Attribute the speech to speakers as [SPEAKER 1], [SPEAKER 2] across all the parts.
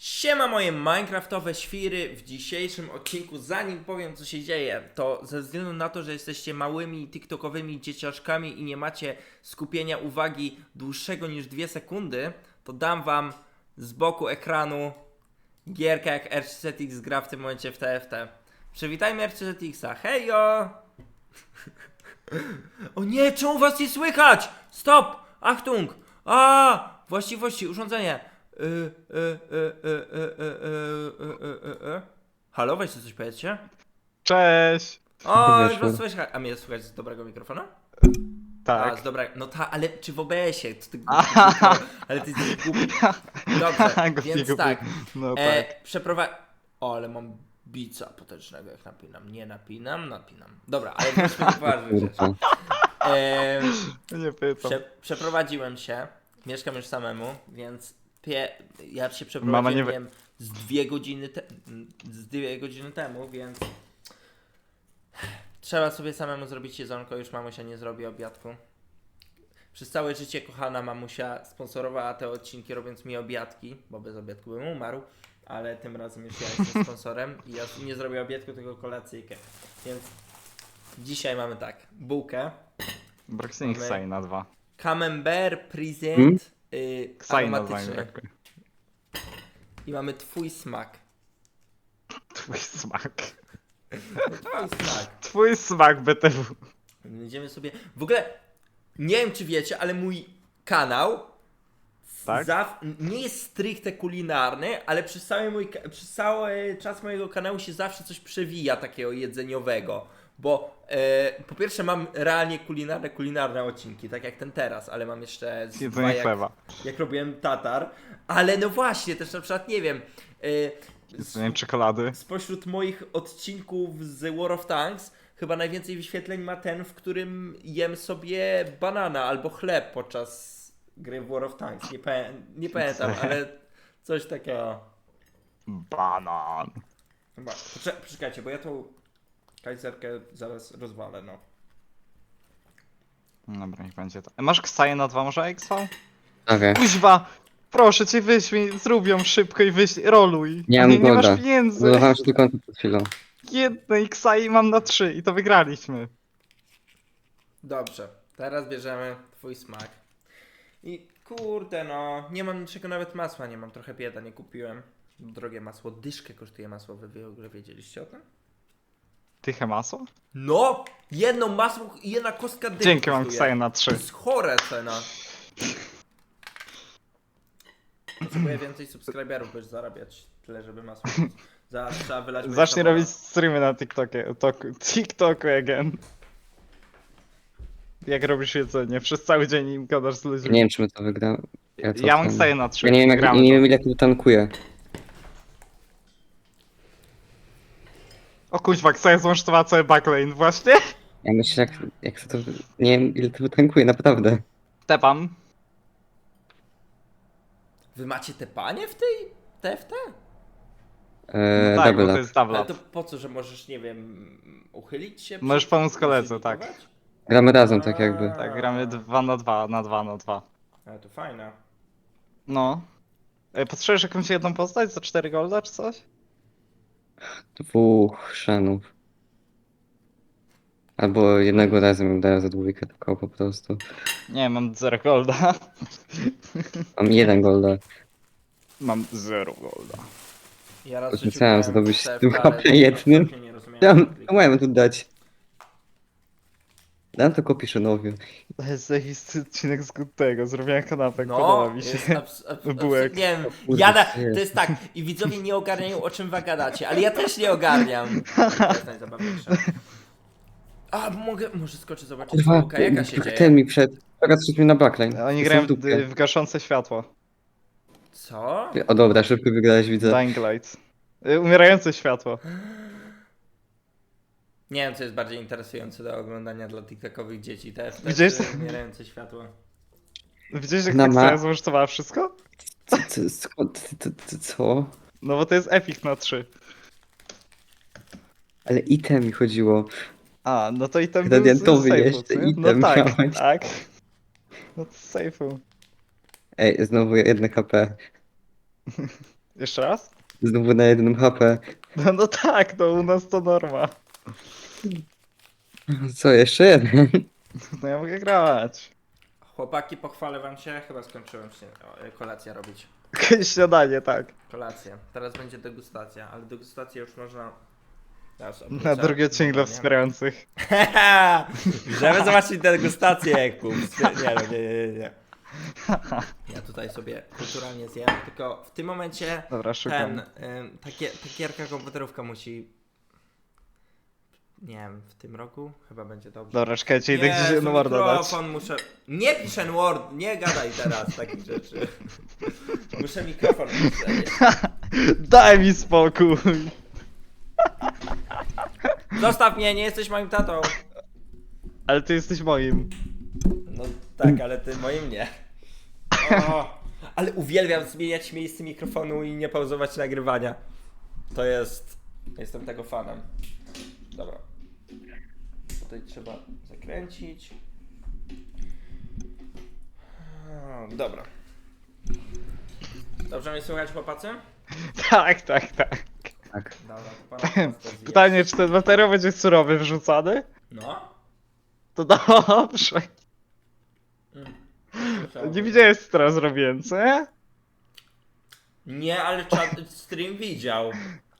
[SPEAKER 1] Siema moje minecraftowe świry. W dzisiejszym odcinku, zanim powiem co się dzieje, to ze względu na to, że jesteście małymi tiktokowymi dzieciaszkami i nie macie skupienia uwagi dłuższego niż 2 sekundy, to dam wam z boku ekranu gierkę jak RCZX gra w tym momencie w TFT. Przywitajmy RCZX-a. Hejo! O nie, czemu was nie słychać? Stop! Achtung! Właściwości, urządzenie. Halo, weźcie coś powiedzcie.
[SPEAKER 2] Cześć!
[SPEAKER 1] O, już
[SPEAKER 3] Weszło.
[SPEAKER 1] was słychać. A mnie słychać z dobrego mikrofonu? A,
[SPEAKER 2] Tak.
[SPEAKER 1] z dobrego. No ale czy w OBS-ie? Co ty
[SPEAKER 2] Aha.
[SPEAKER 1] Ale ty jesteś głupi. Dobrze,
[SPEAKER 2] Głupi,
[SPEAKER 1] więc
[SPEAKER 2] głupi.
[SPEAKER 1] tak.
[SPEAKER 2] No tak.
[SPEAKER 1] O, ale mam bica potężnego jak napinam. Nie napinam. Dobra, ale wróćmy do poważnych rzeczy.
[SPEAKER 2] Nie pytam.
[SPEAKER 1] Przeprowadziłem się, mieszkam już samemu, więc ja się przeprowadziłem
[SPEAKER 2] Mama nie
[SPEAKER 1] nie
[SPEAKER 2] wie-
[SPEAKER 1] wiem, z 2 godziny temu, więc trzeba sobie samemu zrobić jedzonko, już mamusia nie zrobi obiadku. Przez całe życie kochana mamusia sponsorowała te odcinki, robiąc mi obiadki, bo bez obiadku bym umarł, ale tym razem już ja jestem sponsorem i ja nie zrobię obiadku, tylko kolacyjkę. Więc dzisiaj mamy tak, bułkę,
[SPEAKER 2] Broxing
[SPEAKER 1] Mamy-
[SPEAKER 2] Xai na 2.
[SPEAKER 1] Camembert Present
[SPEAKER 2] Xai na 2.
[SPEAKER 1] aromatyczny i mamy twój smak.
[SPEAKER 2] Twój smak.
[SPEAKER 1] Twój smak.
[SPEAKER 2] Twój smak BTW.
[SPEAKER 1] Będziemy sobie... W ogóle, nie wiem czy wiecie, ale mój kanał
[SPEAKER 2] Tak?
[SPEAKER 1] nie jest stricte kulinarny, ale przez cały czas mojego kanału się zawsze coś przewija takiego jedzeniowego. Bo po pierwsze mam realnie kulinarne odcinki, tak jak ten teraz, ale mam jeszcze z dwa
[SPEAKER 2] Jedzenie chleba.
[SPEAKER 1] jak robiłem tatar. Ale no właśnie, też na przykład nie wiem...
[SPEAKER 2] Jedzenie czekolady.
[SPEAKER 1] Spośród moich odcinków z War of Tanks chyba najwięcej wyświetleń ma ten, w którym jem sobie banana albo chleb podczas gry w War of Tanks. Nie pamiętam, ale coś takiego.
[SPEAKER 2] Banan.
[SPEAKER 1] Chyba. Poczekajcie, bo ja tą kajzerkę zaraz rozwalę, no.
[SPEAKER 2] Dobra, niech będzie to. Masz Xai na 2 może XV?
[SPEAKER 3] Okej.
[SPEAKER 2] Kuźwa! Proszę cię, wyślij, zrób ją szybko i wyślij, roluj.
[SPEAKER 3] Nie mam
[SPEAKER 2] nie masz
[SPEAKER 3] golda.
[SPEAKER 2] pieniędzy.
[SPEAKER 3] Zbudowałem się tylko przed chwilą.
[SPEAKER 2] Jednej Xai mam na 3 i to wygraliśmy.
[SPEAKER 1] Dobrze, teraz bierzemy twój smak. I kurde no, nie mam niczego, nawet masła nie mam, trochę bieda, nie kupiłem. Drogie masło, dyszkę kosztuje masło, wy w ogóle wiedzieliście o tym?
[SPEAKER 2] Tyche masło?
[SPEAKER 1] No! Jedno masło i jedna kostka dyszki
[SPEAKER 2] Dzięki, mam
[SPEAKER 1] kosztuje.
[SPEAKER 2] Xai na
[SPEAKER 1] To
[SPEAKER 2] 3.
[SPEAKER 1] jest chore cena. Potrzebuję więcej subskryberów, by zarabiać tyle, żeby masło kupić. Zaraz trzeba wylać moje
[SPEAKER 2] Zacznij
[SPEAKER 1] sabora.
[SPEAKER 2] robić streamy na TikToku again. Jak robisz jedzenie, przez cały dzień im gadasz z ludźmi.
[SPEAKER 3] Nie wiem, czy my to wygramy.
[SPEAKER 2] Ja mam Xai na 3.
[SPEAKER 3] Ja nie wiem,
[SPEAKER 2] Gramy
[SPEAKER 3] nie
[SPEAKER 2] to.
[SPEAKER 3] wiem ile tu tankuje.
[SPEAKER 2] O kuźwa, Xai złącztowała cały backlane właśnie.
[SPEAKER 3] Ja myślę, jak to... Nie wiem ile to tankuje, naprawdę.
[SPEAKER 2] Tepam.
[SPEAKER 1] Wy macie te panie w tej TFT?
[SPEAKER 2] No tak, bo
[SPEAKER 3] Double
[SPEAKER 2] to
[SPEAKER 3] up.
[SPEAKER 2] jest double
[SPEAKER 1] Ale
[SPEAKER 2] up.
[SPEAKER 1] to po co, że możesz, nie wiem, uchylić się?
[SPEAKER 2] Możesz pomóc koledze, tak.
[SPEAKER 1] zlikwidować?
[SPEAKER 3] Gramy razem, tak jakby.
[SPEAKER 2] Tak, gramy 2 na 2, na 2 na 2.
[SPEAKER 1] Ale to fajne.
[SPEAKER 2] No. Potrzebujesz jakąś jedną postać za 4 golda czy coś?
[SPEAKER 3] 2 szanów. Albo jednego razem daję za dwójkę tylko po prostu.
[SPEAKER 2] Nie, mam 0 golda.
[SPEAKER 3] Mam 1 golda.
[SPEAKER 2] Mam 0 golda.
[SPEAKER 1] Ja raz w życiu
[SPEAKER 3] Myślałem,
[SPEAKER 1] grałem
[SPEAKER 3] że
[SPEAKER 1] w
[SPEAKER 3] to byś
[SPEAKER 1] TFT,
[SPEAKER 3] tylko
[SPEAKER 1] ale
[SPEAKER 3] jednym.
[SPEAKER 1] absolutnie nie rozumiałem, jak to
[SPEAKER 3] Co mają tu dać? Dam to Kopiszynowi.
[SPEAKER 2] To jest zajebisty odcinek z tego, zrobiłem kanapek,
[SPEAKER 1] No,
[SPEAKER 2] podoba mi się. Bułek.
[SPEAKER 1] nie wiem,
[SPEAKER 3] Kurde,
[SPEAKER 1] to jest tak, i widzowie nie ogarniają, o czym wy gadacie, ale ja też nie ogarniam. To jest najzabawniejsze. Może skoczę zobaczyć
[SPEAKER 3] Kurwa,
[SPEAKER 1] bułka, jaka się dzieje.
[SPEAKER 3] ten mi przed. Teraz szliśmy na backline.
[SPEAKER 2] Oni
[SPEAKER 3] Jestem
[SPEAKER 2] grają
[SPEAKER 3] w dupie.
[SPEAKER 2] w gaszące światło.
[SPEAKER 1] Co?
[SPEAKER 3] O dobra, szybko wygrałeś, widzę.
[SPEAKER 2] Dying Light. Umierające światło.
[SPEAKER 1] Nie wiem, co jest bardziej interesujące do oglądania dla tiktokowych dzieci. TFT
[SPEAKER 2] Widziałeś
[SPEAKER 1] czy
[SPEAKER 2] to?
[SPEAKER 1] umierające światło.
[SPEAKER 2] Widziałeś jak
[SPEAKER 3] Na
[SPEAKER 2] tak
[SPEAKER 3] ma-
[SPEAKER 2] sobie złożytowała wszystko?
[SPEAKER 3] Co?
[SPEAKER 2] No bo to jest epic na 3.
[SPEAKER 3] Ale item mi chodziło.
[SPEAKER 2] A, no to i ten
[SPEAKER 3] Gradientowy
[SPEAKER 2] był z
[SPEAKER 3] jeszcze
[SPEAKER 2] safe'u, co nie?
[SPEAKER 3] item
[SPEAKER 2] No tak,
[SPEAKER 3] miałeś.
[SPEAKER 2] tak. No to z safe'u.
[SPEAKER 3] Ej, znowu 1 HP.
[SPEAKER 2] Jeszcze raz?
[SPEAKER 3] Znowu na jednym HP.
[SPEAKER 2] No tak, to u nas to norma.
[SPEAKER 3] Co, jeszcze jeden?
[SPEAKER 2] No ja mogę grać.
[SPEAKER 1] Chłopaki, pochwalę wam się, chyba skończyłem się kolację robić.
[SPEAKER 2] Śniadanie, tak.
[SPEAKER 1] Kolację. Teraz będzie degustacja, ale degustację już można... Teraz
[SPEAKER 2] Na
[SPEAKER 1] obrócę.
[SPEAKER 2] drugi odcinek dla
[SPEAKER 1] Nie.
[SPEAKER 2] wspierających.
[SPEAKER 1] Żeby zobaczyć degustację, Jakub. Nie. Ja tutaj sobie kulturalnie zjem, tylko w tym momencie
[SPEAKER 2] Dobra, szukam.
[SPEAKER 1] ta gierka komputerówka musi... Nie wiem, w tym roku chyba będzie dobrze.
[SPEAKER 2] Dobra, czekajcie, idę gdzieś
[SPEAKER 1] Jezu,
[SPEAKER 2] jedno Worda dać.
[SPEAKER 1] mikrofon muszę... Nie piszę Word, nie gadaj teraz takich rzeczy. Muszę mikrofon ustawić.
[SPEAKER 2] Daj mi spokój.
[SPEAKER 1] Zostaw mnie, nie jesteś moim tatą.
[SPEAKER 2] Ale ty jesteś moim.
[SPEAKER 1] No tak, ale ty moim nie. O, ale uwielbiam zmieniać miejsce mikrofonu i nie pauzować nagrywania. To jest... Jestem tego fanem. Dobra. Tutaj trzeba zakręcić. Dobra. Dobrze mnie słychać, chłopacy?
[SPEAKER 2] Tak.
[SPEAKER 3] Tak.
[SPEAKER 1] Dobra, to pana prosto zjeść.
[SPEAKER 2] Pytanie, czy ten materiał będzie surowy wrzucany?
[SPEAKER 1] No.
[SPEAKER 2] To dobrze.
[SPEAKER 1] Słyszałem.
[SPEAKER 2] Nie widziałeś, co teraz robiłem, co nie?
[SPEAKER 1] Nie, ale stream widział.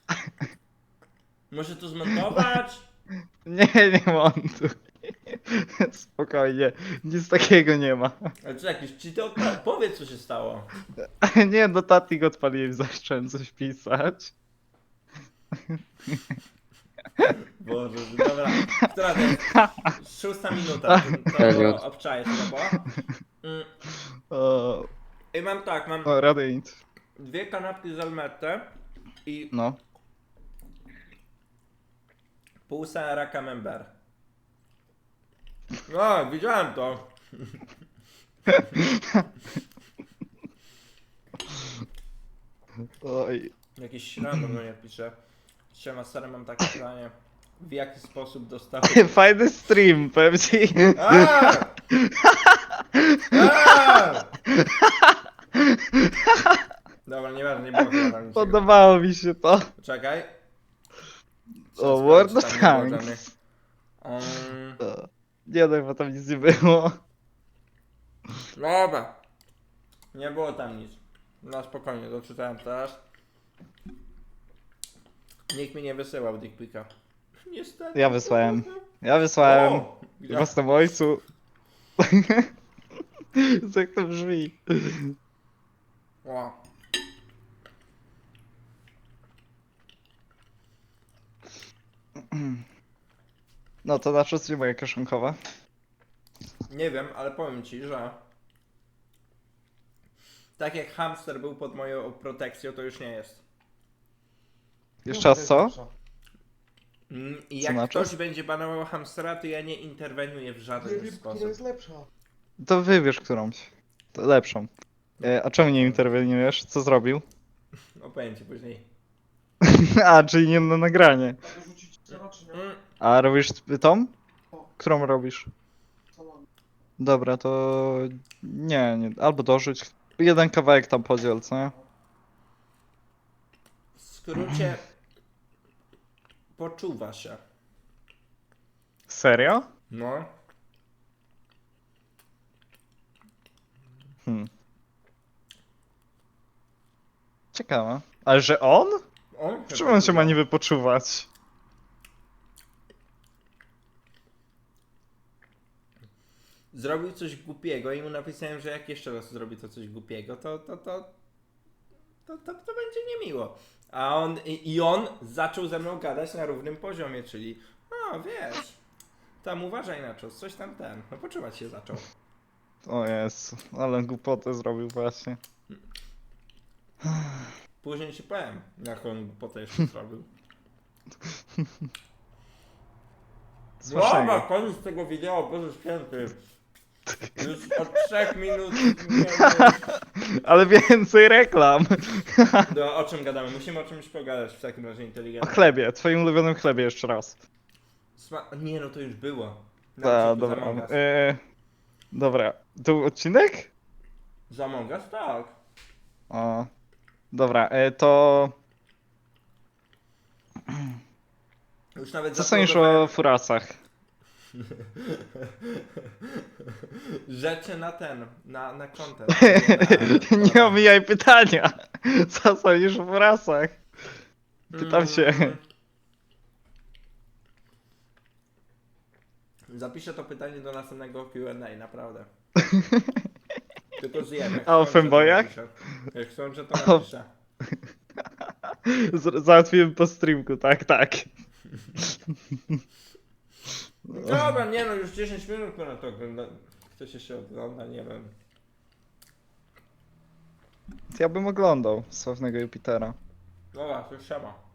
[SPEAKER 1] Może to zmontować?
[SPEAKER 2] Nie montuj. Spokojnie, nic takiego nie ma.
[SPEAKER 1] Ale co jakiś, czy to powiedz co się stało.
[SPEAKER 2] Nie, no tatik odpaliłem, zacząłem coś pisać.
[SPEAKER 1] Boże, dobra. Która to jest? 6 minuta. To obczaję się, bo.
[SPEAKER 2] O,
[SPEAKER 1] I mam tak, mam
[SPEAKER 2] rady nic.
[SPEAKER 1] 2 kanapki z almette i
[SPEAKER 2] No.
[SPEAKER 1] pół sera camembert. No, widziałem to.
[SPEAKER 2] Oj.
[SPEAKER 1] Jakiś random do mnie pisze. Siema, stary, mam takie pytanie. W jaki sposób dostałeś...
[SPEAKER 2] Fajny stream, powiem ci.
[SPEAKER 1] Aaa! Aaa! Dobra, nieważne, nie było chyba tam niczego.
[SPEAKER 2] Podobało mi się to.
[SPEAKER 1] Czekaj.
[SPEAKER 2] O,
[SPEAKER 1] Trzeba
[SPEAKER 2] World
[SPEAKER 1] sprawdzić,
[SPEAKER 2] of
[SPEAKER 1] tam nie było
[SPEAKER 2] Tanks.
[SPEAKER 1] żadnych.
[SPEAKER 2] Nie no, bo tam nic nie było.
[SPEAKER 1] Dobra. Nie było tam nic. No spokojnie, doczytałem teraz. Nikt mi nie wysyłał dickpika. Niestety.
[SPEAKER 2] Ja wysłałem. Ja wysłałem.
[SPEAKER 1] O! Gdzie?
[SPEAKER 2] Własnemu ojcu. Jak to brzmi?
[SPEAKER 1] O.
[SPEAKER 2] No to na czas nie moja kieszonkowa.
[SPEAKER 1] Nie wiem, ale powiem ci, że tak jak hamster był pod moją protekcją, to już nie jest.
[SPEAKER 2] Jeszcze raz co?
[SPEAKER 1] I
[SPEAKER 2] Co
[SPEAKER 1] jak
[SPEAKER 2] znaczy?
[SPEAKER 1] ktoś będzie banował hamstera, to ja nie interweniuję w żaden sposób.
[SPEAKER 4] lepsza.
[SPEAKER 2] To wybierz którąś. To lepszą. A czemu nie interweniujesz? Co zrobił?
[SPEAKER 1] No powiem ci później.
[SPEAKER 2] A, czyli nie na nagranie.
[SPEAKER 4] Tak rzucić co czy nie?
[SPEAKER 2] A robisz tą? Którą robisz?
[SPEAKER 4] Co mam?
[SPEAKER 2] Dobra, to nie. Albo dorzuć. Jeden kawałek tam podziel, co nie?
[SPEAKER 1] W skrócie poczuwa się.
[SPEAKER 2] Serio?
[SPEAKER 1] No.
[SPEAKER 2] Ciekawe. Ale że on?
[SPEAKER 1] On
[SPEAKER 2] W czym on się ma niby poczuwać?
[SPEAKER 1] Zrobił coś głupiego i mu napisałem, że jak jeszcze raz zrobi to coś głupiego, to będzie niemiło. A on zaczął ze mną gadać na równym poziomie, czyli wiesz, tam uważaj na coś tam no poczuwać się zaczął.
[SPEAKER 2] O Jezu, ale głupotę zrobił właśnie.
[SPEAKER 1] Później ci powiem, jak on głupotę jeszcze zrobił. Dobra,
[SPEAKER 2] Smacznego.
[SPEAKER 1] koniec tego wideo, Boże Święty. Już od 3 minut
[SPEAKER 2] Ale więcej reklam.
[SPEAKER 1] o czym gadamy? Musimy o czymś pogadać w takim razie
[SPEAKER 2] O
[SPEAKER 1] inteligentnie.
[SPEAKER 2] chlebie, twoim ulubionym chlebie jeszcze raz.
[SPEAKER 1] Nie no, to już było.
[SPEAKER 2] Da,
[SPEAKER 1] Za
[SPEAKER 2] dobra.
[SPEAKER 1] Among Us.
[SPEAKER 2] Dobra, to był odcinek?
[SPEAKER 1] Za Among Us? Tak.
[SPEAKER 2] O. Dobra, to
[SPEAKER 1] Już nawet
[SPEAKER 2] co sądzisz
[SPEAKER 1] zaplodowałem
[SPEAKER 2] o furasach?
[SPEAKER 1] rzeczy na ten, na content.
[SPEAKER 2] Nie omijaj pytania. Co sądzisz o furasach? Pytam się.
[SPEAKER 1] Zapiszę to pytanie do następnego Q&A, naprawdę. Tylko zjem. Jak
[SPEAKER 2] A o
[SPEAKER 1] skończę, to
[SPEAKER 2] fanboyach?
[SPEAKER 1] napiszę. Jak skończę, to napiszę.
[SPEAKER 2] Załatwiłem po streamku, tak, tak.
[SPEAKER 1] Dobra, nie no, już 10 minut na to ogląda. Ktoś się ogląda, nie wiem.
[SPEAKER 2] Ja bym oglądał Sławnego Jupitera.
[SPEAKER 1] Dobra, to już siema.